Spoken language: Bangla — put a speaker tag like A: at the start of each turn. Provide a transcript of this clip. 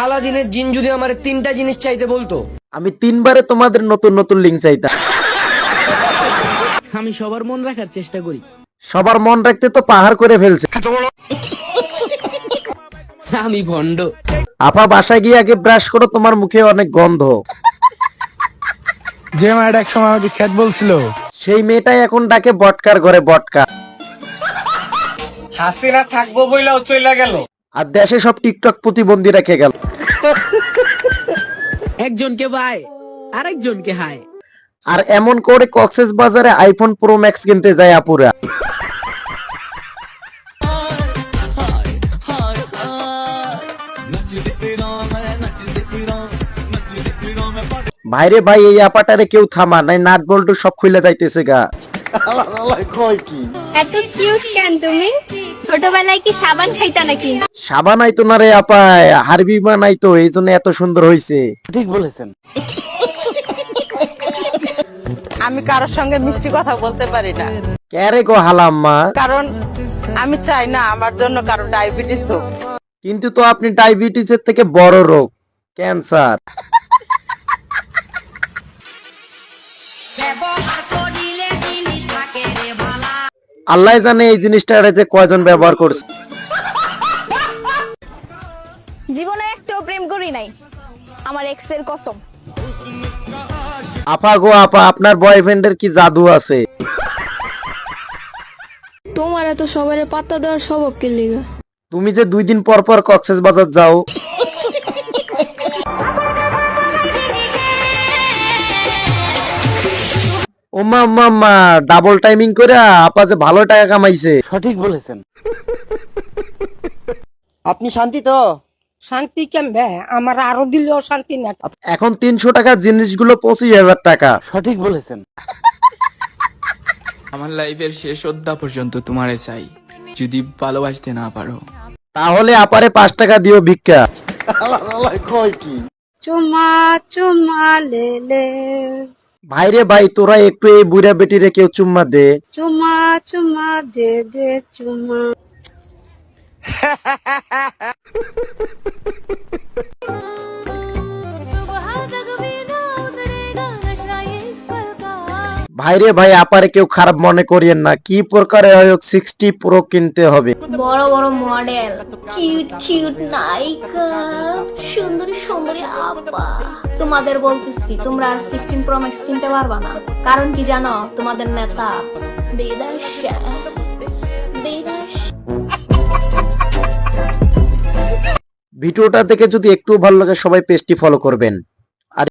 A: আলাদিনের জিন যদি আমার 3টা জিনিস চাইতে বলতো,
B: আমি 3বারে তোমাদের নতুন নতুন লিঙ্ক চাইতাম।
C: আমি সবার মন রাখার চেষ্টা করি।
B: সবার মন রাখতে তো পাহাড় করে ফেলছে।
C: আমি ভন্ড।
B: আপা বাসায় গিয়ে আগে ব্রাশ করো, তোমার মুখে অনেক গন্ধ।
D: যে মায়ের এক সময় আমাকে খ্যাত বলছিল,
B: সেই মেয়েটাই এখন ডাকে বটকার ঘরে বটকা।
A: হাসিনা থাকবো বইলাও চইলা গেল।
B: আর দেশে সব টিকটক প্রতিবন্ধী রেখে গেল।
C: একজনকে বাই, আরেকজনকে হাই।
B: আর এমন করে কক্সেস বাজারে আইফোন প্রো ম্যাক্স কিনতে যায় আপুরা। ভাইরে ভাই, এই আপাটারে কেউ থামা নাই, নাট বল্টু সব খুলে যাইতেছে গা।
E: এত কিউট কেন তুমি? ছোটবেলায় কি সাবান খাইতা নাকি?
B: সাবান আইতো না রে আপায়, হারবি বানাইতো, এই জন্য এত সুন্দর হইছে।
C: ঠিক বলেছেন।
F: আমি কারোর সঙ্গে মিষ্টি কথা বলতে পারি না,
B: ক্যারে গো হালাম্মা।
F: কারণ আমি চাই না আমার জন্য কারো ডায়াবেটিস হোক।
B: কিন্তু তো আপনি ডায়াবেটিসের থেকে বড় রোগ, ক্যান্সার। আল্লাহ জানে এই জিনিসটা যে কয়জন ব্যবহার করছে।
E: জীবনে একটাও প্রেম করি নাই, আমার এক্স এর কসম।
B: আপা গো আপা, আপনার বয়ফ্রেন্ডের কি জাদু আছে?
G: তোমার এত সবারে পাত্তা দেওয়ার স্বভাব কে লিগা?
B: তুমি যে 2 দিন পর পর কক্সেস বাজার যাও। ওমা মাম্মা, ডাবল টাইমিং করে আপা যে ভালো টাকা কামাইছে।
C: সঠিক বলেছেন।
F: আপনি শান্তি তো? শান্তি কেমবে? আমার আরো দিলেও শান্তি না।
B: এখন 300 টাকার জিনিসগুলো 25,000 টাকা।
C: সঠিক বলেছেন।
H: আমার লাইফের শেষ অধ্যা পর্যন্ত তোমারে চাই, যদি ভালোবাসতে না পারো।
B: তাহলে আপারে 5 টাকা দিও ভিক্ষা।
F: চুমা চুমা লেলে,
B: ভাইরে ভাই, তোরা একটু এই বুড়া বেটিরে কেউ চুম্মা দে।
F: চুমা চুমা দে দে চুমা।
B: ভাইরে ভাই, আপারে কেউ খারাপ মনে করিয়েন না, কি প্রকারে হয় 60 প্রো কিনতে হবে।
E: বড় বড় মডেল, কিউট কিউট নায়িকা, সুন্দরী সুন্দরী আপা। তোমাদের বলতেছি, তোমরা আর 16 প্রো ম্যাক্স কিনতে পারবা না। কারণ কি জানো? তোমাদের নেতা বিদেশে।
B: ভিডিওটা দেখে যদি একটু ভালো লাগে, সবাই পেজটি ফলো করবেন।